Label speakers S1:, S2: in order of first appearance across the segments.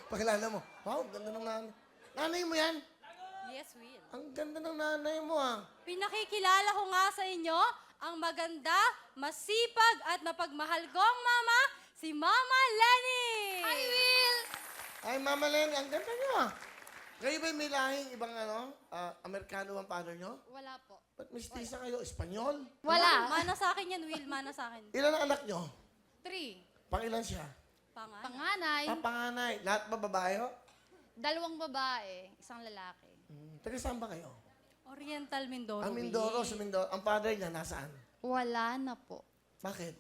S1: Pakilala mo. Wow, ganda ng nanay. Nanay mo yan?
S2: Yes, Will.
S1: Ang ganda ng nanay mo, ah.
S2: Pinakikilala ko nga sa inyo ang maganda, masipag at mapagmahal kong mama, si Mama Lenny!
S3: Hi, Will!
S1: Ay, Mama Lenny, ang ganda nyo, ah. Kayo ba may lahing ibang Amerikano ang father nyo?
S2: Wala po.
S1: Ba't mistisa kayo? Espanyol?
S3: Wala.
S2: Mana sa akin yan, Will. Mana sa akin.
S1: Ilan ang anak nyo?
S3: 3.
S1: Pangilan siya?
S2: Pangan.
S3: Panganay,
S1: Panganay. Lahat ba babae, ho?
S3: 2 babae, 1 lalaki.
S1: Taga saan ba kayo?
S2: Oriental Mindoro.
S1: Ang Mindoro, sa Mindoro. Ang father niya, nasaan?
S3: Wala na po.
S1: Bakit?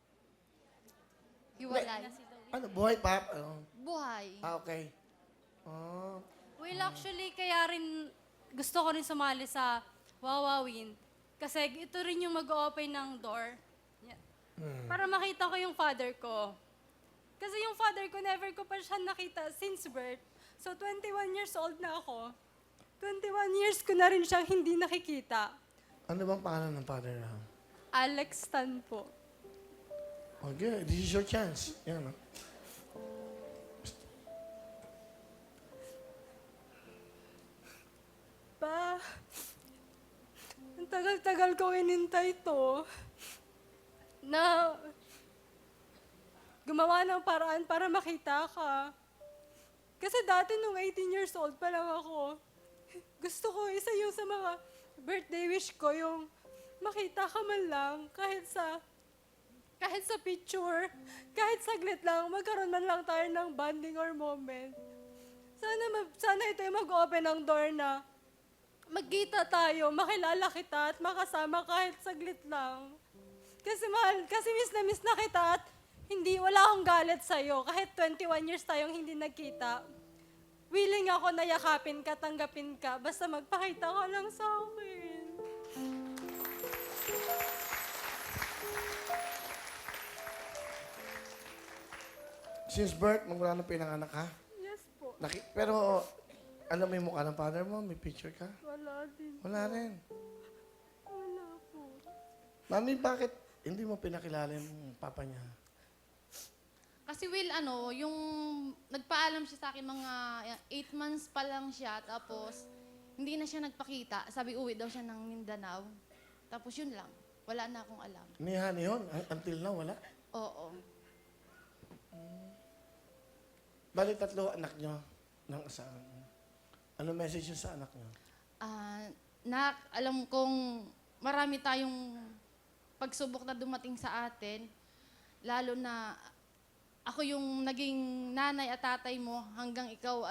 S3: Hiwalay.
S1: Ano, buhay pa? Ano?
S3: Buhay.
S1: Okay. Oh.
S2: Will, actually, kaya rin gusto ko rin sumali sa Wawawin. Kasi ito rin yung mag-open ng door. Yeah. Para makita ko yung father ko. Kasi yung father ko, never ko pa siya nakita since birth. So, 21 years old na ako. 21 years ko na rin siyang hindi nakikita.
S1: Ano bang pangalan ng father na?
S2: Alex Tan po.
S1: Okay, this is your chance. Yan, no?
S2: Pa, ang tagal-tagal ko inintay to na gumawa ng paraan para makita ka. Kasi dati nung 18 years old pa lang ako, gusto ko isa yung sa mga birthday wish ko, yung makita ka man lang kahit sa picture, kahit saglit lang, magkaroon man lang tayo ng bonding or moment. Sana ito yung mag-open ng door na magkita tayo, makilala kita at makasama kahit saglit lang. Kasi mahal, kasi miss na kita at wala akong galit sa'yo. Kahit 21 years tayong hindi nagkita. Willing ako na yakapin ka, tanggapin ka, basta magpakita ka lang sa akin.
S1: Since birth, magmula na pinanganak ka?
S2: Yes po.
S1: Pero, alam mo yung mukha ng father mo? May picture ka?
S2: Wala din.
S1: Wala rin.
S2: Wala po.
S1: Mami, bakit hindi mo pinakilala yung papa niya?
S3: Kasi Will, yung nagpaalam siya sa akin mga 8 months pa lang siya, tapos hindi na siya nagpakita. Sabi uwi daw siya ng Mindanao. Tapos yun lang. Wala na akong alam.
S1: Nihan yun? Until now, wala?
S3: Oo.
S1: Bali, 3 anak nyo ng asawa niyo. Ano message niyo sa anak nyo?
S3: Alam kong marami tayong pagsubok na dumating sa atin. Lalo na ako yung naging nanay at tatay mo hanggang ikaw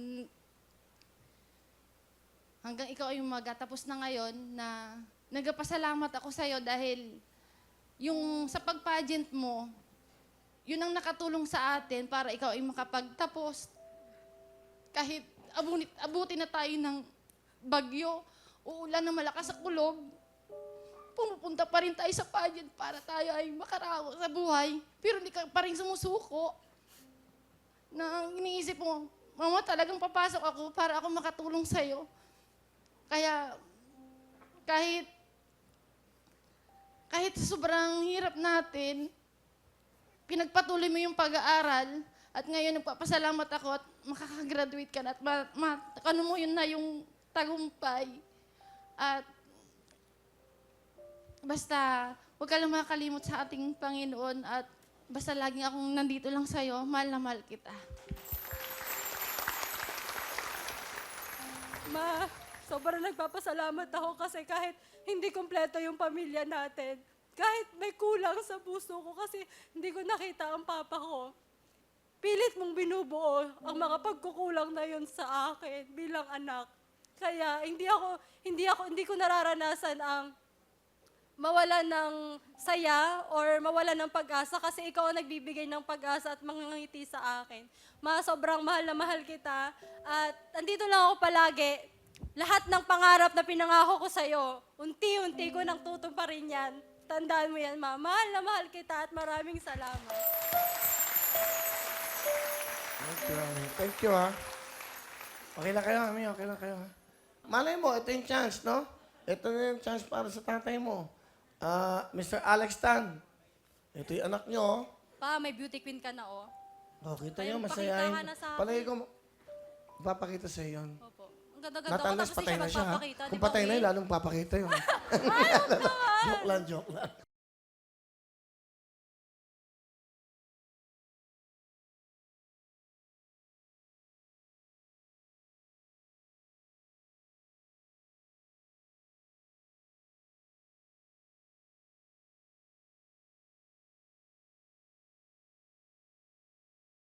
S3: ay magatapos na ngayon na nagpasalamat ako sa'yo dahil yung sa pag-pageant mo, yun ang nakatulong sa atin para ikaw ay makapagtapos. Kahit abutin na tayo ng bagyo, uulan na malakas sa kulog, pumupunta pa rin tayo sa pageant para tayo ay makaraos sa buhay. Pero hindi ka pa rin sumusuko. Na iniisip mo, Mama, talagang papasok ako para ako makatulong sa'yo. Kaya, kahit sobrang hirap natin, pinagpatuloy mo yung pag-aaral at ngayon nagpapasalamat ako at makakagraduate ka na at ano mo yun na yung tagumpay. At basta, huwag ka lang makakalimot sa ating Panginoon at basta laging akong nandito lang sa'yo, mahal na mahal kita.
S2: Ma, sobrang nagpapasalamat ako kasi kahit hindi kompleto yung pamilya natin, kahit may kulang sa puso ko kasi hindi ko nakita ang papa ko, pilit mong binubuo ang mga pagkukulang na yun sa akin bilang anak. Kaya hindi ko nararanasan ang mawala ng saya or mawala ng pag-asa kasi ikaw ang nagbibigay ng pag-asa at mangangiti sa akin. Ma, sobrang mahal na mahal kita at andito lang ako palagi. Lahat ng pangarap na pinangako ko sa'yo, unti-unti ko nang tutuparin yan. Tandaan mo yan, Ma. Mahal na mahal kita at maraming salamat.
S1: Thank you, Mami. Thank you, ha? Okay na kayo, Mami. Okay na kayo, ha? Malay mo, ito yung chance, no? Ito na yung chance para sa tatay mo. Mr. Alex Tan. Ito yung anak nyo, oh.
S2: Pa, may beauty queen ka na, oh.
S1: Oh, kita
S4: Kaya
S1: nyo,
S4: pakitahan
S1: masayahin.
S4: na sa akin.
S1: Palagi ko, papakita sa yun.
S4: Opo. Ang ganda-ganda ko,
S1: Natanlas
S4: tapos
S1: patay
S4: siya
S1: na siya, ha?
S4: magpapakita.
S1: Kung
S4: di ba,
S1: patay na
S4: Will?
S1: yun, lalong papakita yun. Joke lang, joke lang.